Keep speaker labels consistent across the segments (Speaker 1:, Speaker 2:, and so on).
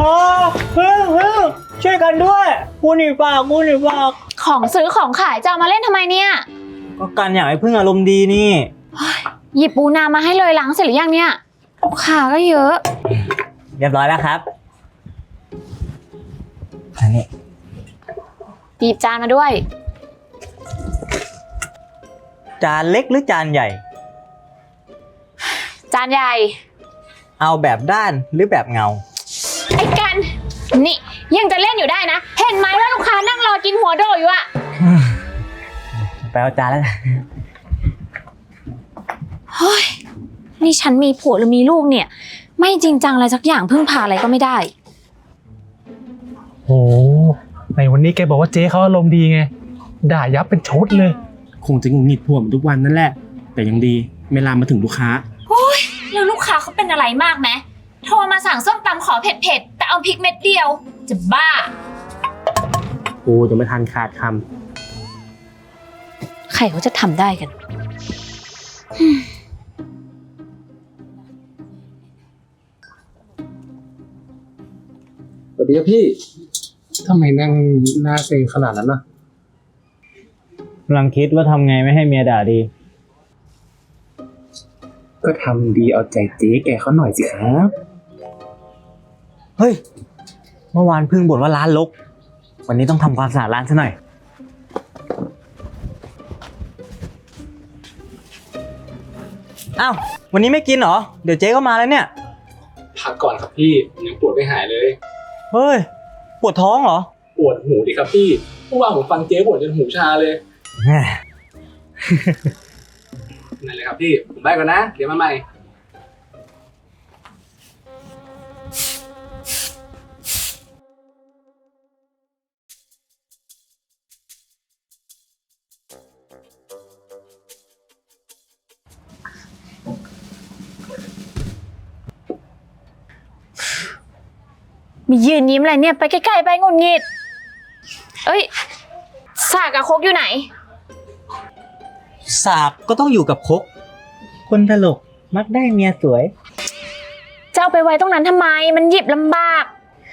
Speaker 1: พึ่งช่วยกันด้วยกูหนีปาก
Speaker 2: ของซื้อของขายจะเอามาเล่นทำไมเนี่ย
Speaker 1: ก็กันอยากให้พึ่งอารมณ์ดีนี่
Speaker 2: หยิบปูนามาให้เลยล้างเสร็จหรือยังเนี่ยลูกค้าก็เยอะ
Speaker 1: เรียบร้อยแล้วครับอันนี้
Speaker 2: หยิบจานมาด้วย
Speaker 1: จานเล็กหรือจานใหญ่
Speaker 2: จานใหญ่
Speaker 1: เอาแบบด้านหรือแบบเงา
Speaker 2: ไอ้กันนี่ยังจะเล่นอยู่ได้นะเห็นไหมว่าลูกค้านั่งรอกินหัวโดอยู่อะ
Speaker 1: ไปเอาจานแล้ว
Speaker 2: เฮ้ยนี่ฉันมีผัวหรือมีลูกเนี่ยไม่จริงจังอะไรสักอย่างพึ่งพาอะไรก็ไม่ได้
Speaker 3: โอ้ในวันนี้แกบอกว่าเจ๊เขาอารมณ์ดีไงด่ายับเป็นชุดเลย
Speaker 4: คงจะหงุดหงิดผัวมันทุกวันนั่นแหละแต่ยังดีไม่ลามมาถึงลูกค้า
Speaker 2: โอ้ยแล้วลูกค้าเขาเป็นอะไรมากไหมโทรมาสั่งส้มตำขอเผ็ดๆแต่เอาพริกเม็ดเดียวจะบ้า
Speaker 4: กูจะไม่ทันขาดค
Speaker 2: ใครเขาจะทำได้กัน
Speaker 3: สวัสดีครับพี่ทำไมนั่งหน้าเซ็งขนาดนั้นนะ
Speaker 1: กำลังคิดว่าทำไงไม่ให้เมียด่าดี
Speaker 3: ก็ทำดีเอาใจเจ๊แกเขาหน่อยสิครับ
Speaker 1: เฮ้ยเมื่อวานพึ่งบ่นว่าร้านรกวันนี้ต้องทำความสะอาดร้านซะหน่อยอ้าววันนี้ไม่กินเหรอเดี๋ยวเจ๊ก็มาแล้วเนี่ย
Speaker 3: พักก่อนครับพี่ยังปวดไม่หายเลย
Speaker 1: เฮ้ยปวดท้องเหรอ
Speaker 3: ปวดหูดิครับพี่เมื่อวานผมฟังเจ๊บ่นจนหูชาเลยนั่นเลยครับพี่ผมไปก่อนนะเดี๋ยวมาใหม่
Speaker 2: มียืนยิ้มอะไรเนี่ยไปใกล้ๆไปงุนงิดเอ้ยสากกับคกอยู่ไหน
Speaker 1: สากก็ต้องอยู่กับคกคนตลกมักได้เมียสวย
Speaker 2: จะเอาไปไว้ตรงนั้นทำไมมันหยิบลำบาก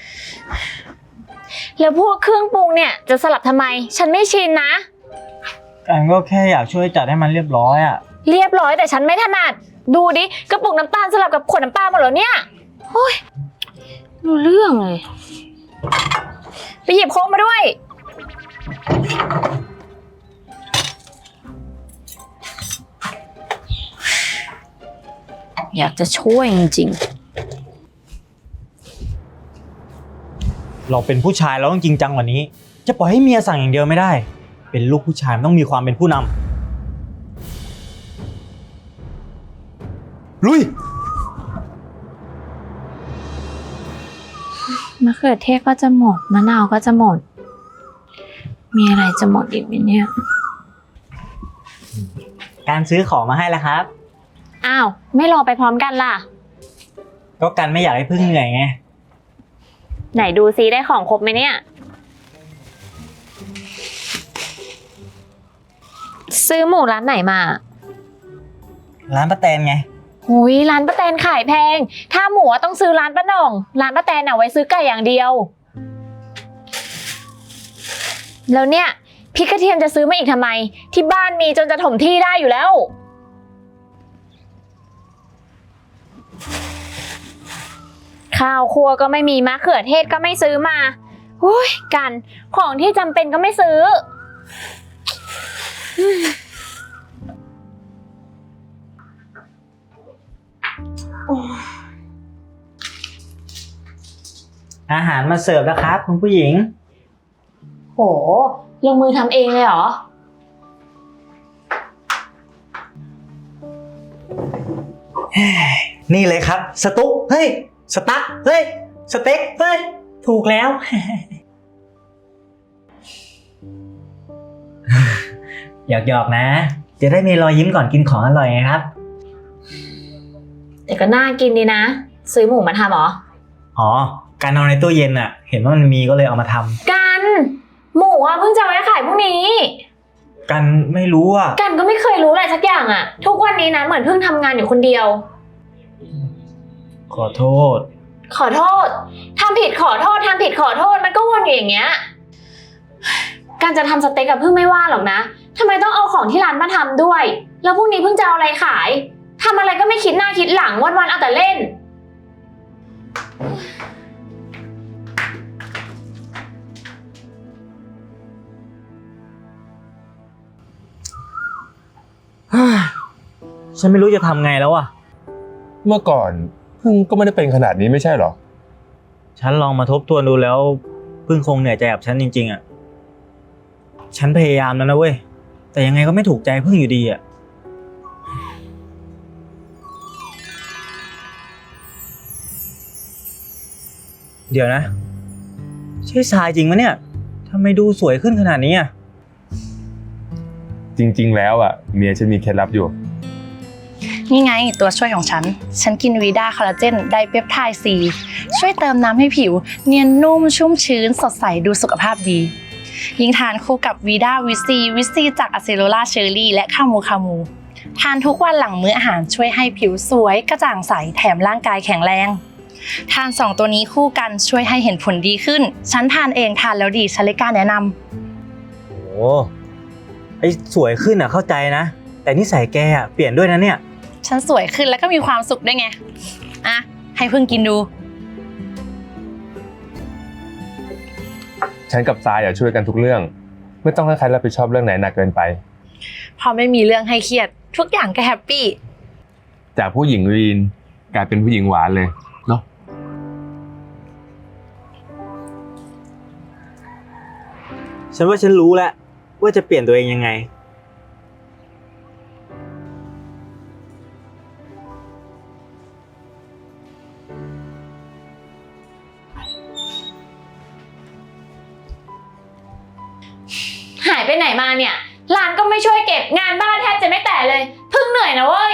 Speaker 2: แล้วพวกเครื่องปรุงเนี่ยจะสลับทำไมฉันไม่ชินนะ
Speaker 1: กันก็แค่อยากช่วยจัดให้มันเรียบร้อยอะ
Speaker 2: เรียบร้อยแต่ฉันไม่ถนัดดูดิกระปุกน้ำตาลสลับกับขวดน้ำปลาหมดแล้วเนี่ยโอ้ยรู้เรื่องเลยไปหยิบโค้กมาด้วยอยากจะช่วยจริง
Speaker 1: ๆเราเป็นผู้ชายเราต้องจริงจังกว่านี้จะปล่อยให้เมียสั่งอย่างเดียวไม่ได้เป็นลูกผู้ชายต้องมีความเป็นผู้นำลุย
Speaker 2: มะเขือเทศก็จะหมดมะนาวก็จะหมดมีอะไรจะหมดอีกไหมเนี่ย
Speaker 1: การซื้อของมาให้แล้วครับ
Speaker 2: อ้าวไม่รอไปพร้อมกันล่ะ
Speaker 1: ก็กันไม่อยากให้พึ่งเหนื่อยไง
Speaker 2: ไหนดูซิได้ของครบไหมเนี่ยซื้อหมูร้านไหนมา
Speaker 1: ร้านป้าแตนไง
Speaker 2: หุยร้านป้าแตนขายแพงถ้าหมูต้องซื้อร้านป้าหน่องร้านป้าแตนเอาไว้ซื้อไก่อย่างเดียวแล้วเนี่ยพริกกระเทียมจะซื้อมาอีกทำไมที่บ้านมีจนจะถมที่ได้อยู่แล้วข้าวครัวก็ไม่มีมะเขือเทศก็ไม่ซื้อมาหุ้ยกันของที่จำเป็นก็ไม่ซื้อ
Speaker 1: อาหารมาเสิร์ฟแล้วครับคุณผู้หญิง
Speaker 2: โหลงมือทำเองเลยเหรอ
Speaker 1: นี่เลยครับสตุ๊กเฮ้ยสตั๊กเฮ้ยสเต็กเฮ้ยถูกแล้ว หยอกๆนะจะได้มีรอยยิ้มก่อนกินของอร่อยไงครับ
Speaker 2: แต่ก็น่ากินดีนะซื้อหมูมาทำเหรอ
Speaker 1: อ๋อการเอาในตู้เย็นอะเห็นว่ามันมีก็เลยเอามาทำ
Speaker 2: กันหมูอะเพิ่งจะไว้ขายพรุ่งนี้
Speaker 1: กันไม่รู้อะ
Speaker 2: กันก็ไม่เคยรู้อะไรสักอย่างอะทุกวันนี้นะเหมือนเพิ่งทำงานอยู่คนเดียว
Speaker 1: ขอโทษ
Speaker 2: ขอโทษทำผิดขอโทษทำผิดขอโทษมันก็วนอยู่อย่างเงี้ยการจะทำสเต็กกับเพิ่งไม่ว่าหรอกนะทำไมต้องเอาของที่ร้านมาทำด้วยแล้วพรุ่งนี้เพิ่งจะเอาอะไรขายทำอะไรก็ไม่คิดหน้าคิดหลังวันๆเอาแต่เล่น
Speaker 1: ฉันไม่รู้จะทำไงแล้วอ่ะ
Speaker 5: เมื่อก่อนพึ่งก็ไม่ได้เป็นขนาดนี้ไม่ใช่หรอ
Speaker 1: ฉันลองมาทบทวนดูแล้วพึ่งคงเหนื่อยใจกับฉันจริงๆอ่ะ ฉันพยายามแล้วนะเว้ย แต่ยังไงก็ไม่ถูกใจพึ่งอยู่ดีอ่ะ เดี๋ยวนะ ใช่ทรายจริงมะเนี่ยทำไมดูสวยขึ้นขนาดนี้อ่ะ
Speaker 5: จริงๆแล้วอ่ะเมียฉันมีเคล็ดลับอยู่
Speaker 6: นี่ไงตัวช่วยของฉัน ฉันกินวีด้าคอลลาเจนไดเปปไทด์ซีช่วยเติมน้ำให้ผิว เนียนนุ่มชุ่มชื้นสดใสดูสุขภาพดี ยิ่งทานคู่กับวีด้าวิซีจากอะเซโลล่าเชอร์รี่และคามู ทานทุกวันหลังมื้ออาหารช่วยให้ผิวสวยกระจ่างใสแถมร่างกายแข็งแรง ทาน2ตัวนี้คู่กันช่วยให้เห็นผลดีขึ้น ฉันทานเองทานแล้วดีฉันเลยกล้าแนะนำ
Speaker 1: โอ้ไอสวยขึ้นอ่ะเข้าใจนะ แต่นิสัยแกอ่ะเปลี่ยนด้วยนะเนี่ย
Speaker 6: ฉันสวยขึ้นแล้วก็มีความสุขด้วยไงอ่ะให้เพิ่งกินดู
Speaker 5: ฉันกับทรายช่วยกันทุกเรื่อง ไม่ต้องให้ใครรับผิดชอบเรื่องไหนหนักเกินไป
Speaker 6: พอไม่มีเรื่องให้เครียดทุกอย่างก็แฮปปี้
Speaker 5: จากผู้หญิงลีนกลายเป็นผู้หญิงหวานเลยเนาะ
Speaker 1: ฉันว่าฉันรู้แล้วว่าจะเปลี่ยนตัวเองยังไง
Speaker 2: หายไปไหนมาเนี่ยร้านก็ไม่ช่วยเก็บงานบ้านแทบจะไม่แตะเลยเพิ่งเหนื่อยนะเว้ย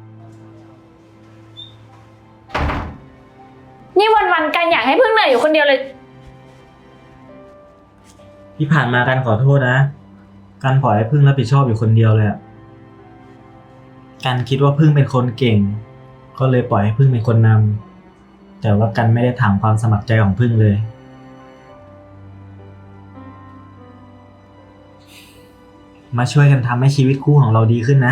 Speaker 2: นี่วันๆกันอยากให้เพิ่งเหนื่อยอยู่คนเดียวเลย
Speaker 1: ที่ผ่านมากันขอโทษนะกันปล่อยให้พึ่งรับผิดชอบอยู่คนเดียวเลยอะกันคิดว่าพึ่งเป็นคนเก่ง ก็เลยปล่อยให้พึ่งเป็นคนนำแต่ว่ากันไม่ได้ถามความสมัครใจของพึ่งเลย มาช่วยกันทำให้ชีวิตคู่ของเราดีขึ้นนะ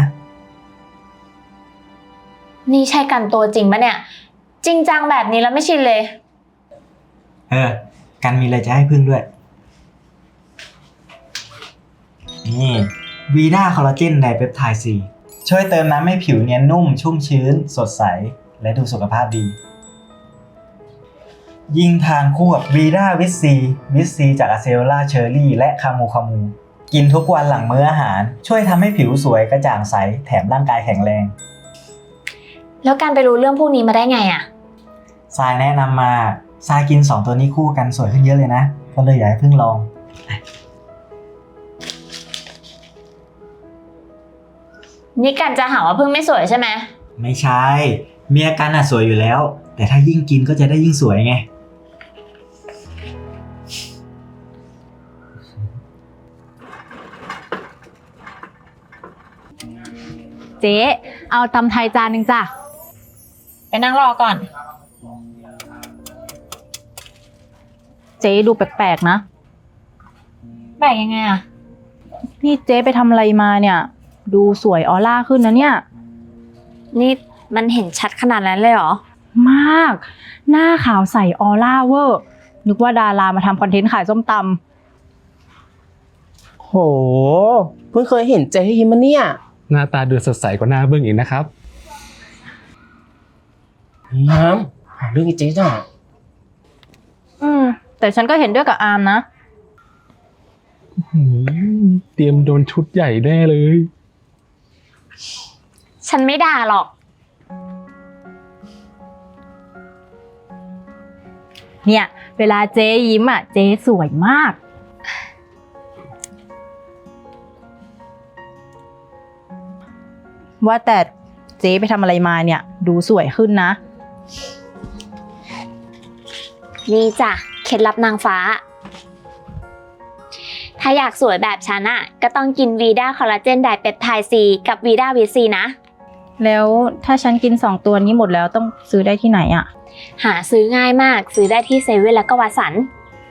Speaker 2: นี่ใช่กันตัวจริงปะเนี่ยจริงจังแบบนี้แล้วไม่ชินเลย
Speaker 1: กันมีอะไรจะให้พึ่งด้วย นี่วีด้าคอลลาเจนไดเปปไทด์ซีช่วยเติมน้ำให้ผิวเนียนนุ่มชุ่มชื้น สดใส และดูสุขภาพดี ยิ่งทานคู่กับวีด้าวิซีจากอะเซโลล่าเชอร์รี่และคามู กินทุกวันหลังมื้ออาหาร ช่วยทำให้ผิวสวยกระจ่างใส แถมร่างกายแข็งแรง
Speaker 2: แล้วการไปรู้เรื่องพวกนี้มาได้ไงอะ
Speaker 1: ทรายแนะนำมาทรายกิน2ตัวนี้คู่กันสวยขึ้นเยอะเลยนะก็เลยอยากให้พึ่งลอง
Speaker 2: นี่กันจะหาว่าเพิ่งไม่สวยใช่ไหม
Speaker 1: ไม่ใช่ เมียกันสวยอยู่แล้ว แต่ถ้ายิ่งกินก็จะได้ยิ่งสวยไง
Speaker 7: เจ๊เอาตำไทยจานหนึ่งจ้ะ
Speaker 2: ไปนั่งรอก่อน
Speaker 7: เจ๊ดูแปลกๆนะ
Speaker 2: แบกยังไงอะ
Speaker 7: นี่เจ๊ไปทำอะไรมาเนี่ย ดูสวยออร่าขึ้นนะเนี่ย
Speaker 2: นี่มันเห็นชัดขนาดนั้นเลยเหรอ
Speaker 7: มาก หน้าขาวใสออร่าเวอร์ นึกว่าดารามาทำคอนเทนต์ขายส้มต
Speaker 8: โห เพิ่งเคยเห็นเจ๊ยิ้มมาเนี่ย
Speaker 3: หน้าตาดูสดใสกว่าหน้าเบื้องอีกนะครับ
Speaker 8: น้ำหาเรื่องไอ้เจ๊จ้ะ
Speaker 7: ำแต่ฉันก็เห็นด้วยกับอาร์มนะ
Speaker 3: เตรียมโดนชุดใหญ่แน่เลย
Speaker 2: ฉันไม่ด่าหรอก
Speaker 7: เนี่ย เวลาเจ๊ยิ้มอ่ะ เจ๊สวยมาก ว่าแต่เจ๊ไปทำอะไรมาเนี่ย ดูสวยขึ้นนะ
Speaker 2: นี่จ้ะเคล็ดลับนางฟ้า ถ้าอยากสวยแบบฉันอะก็ต้องกินวีด้าคอลลาเจนไดเปปไทด์ซีกับวีด้าวิซีนะ
Speaker 7: แล้วถ้าฉันกิน2ตัวนี้หมดแล้วต้องซื้อได้ที่ไหนอะ
Speaker 2: หาซื้อง่ายมาก ซื้อได้ที่เซเว่นแล้วก็วัตสัน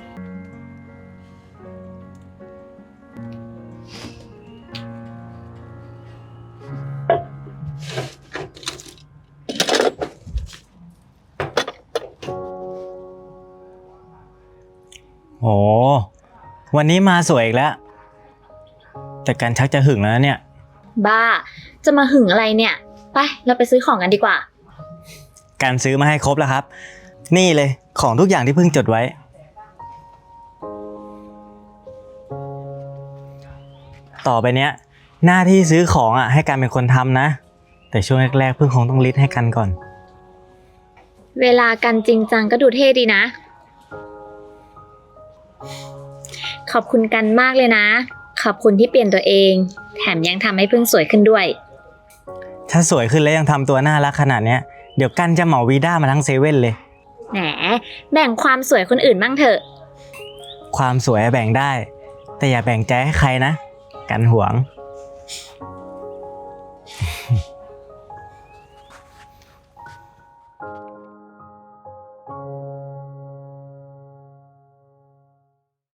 Speaker 1: โห วันนี้มาสวยอีกแล้ว แต่กันชักจะหึงแล้วนะเนี่ย
Speaker 2: บ้า จะมาหึงอะไรเนี่ย ไป เราไปซื้อของกันดีกว่า
Speaker 1: การซื้อมาให้ครบแล้วครับ นี่เลยของทุกอย่างที่เพิ่งจดไว้ ต่อไปเนี้ย หน้าที่ซื้อของอ่ะให้กันเป็นคนทำนะ แต่ช่วงแรกๆเพิ่งคงต้องลิสต์ให้กันก่อน
Speaker 2: เวลากันจริงจังก็ดูเท่ดีนะ ขอบคุณกันมากเลยนะ ขอบคุณที่เปลี่ยนตัวเอง แถมยังทำให้เพิ่งสวยขึ้นด้วย
Speaker 1: ถ้าสวยขึ้นแล้วยังทำตัวน่ารักขนาดเนี้ยเดี๋ยวกันจะเหมาวีด้ามาทั้งเซเว่นเลย
Speaker 2: แหม แบ่งความสวยคนอื่นบ้างเถอะ
Speaker 1: ความสวยแบ่งได้ แต่อย่าแบ่งใจให้ใครนะ กันหวง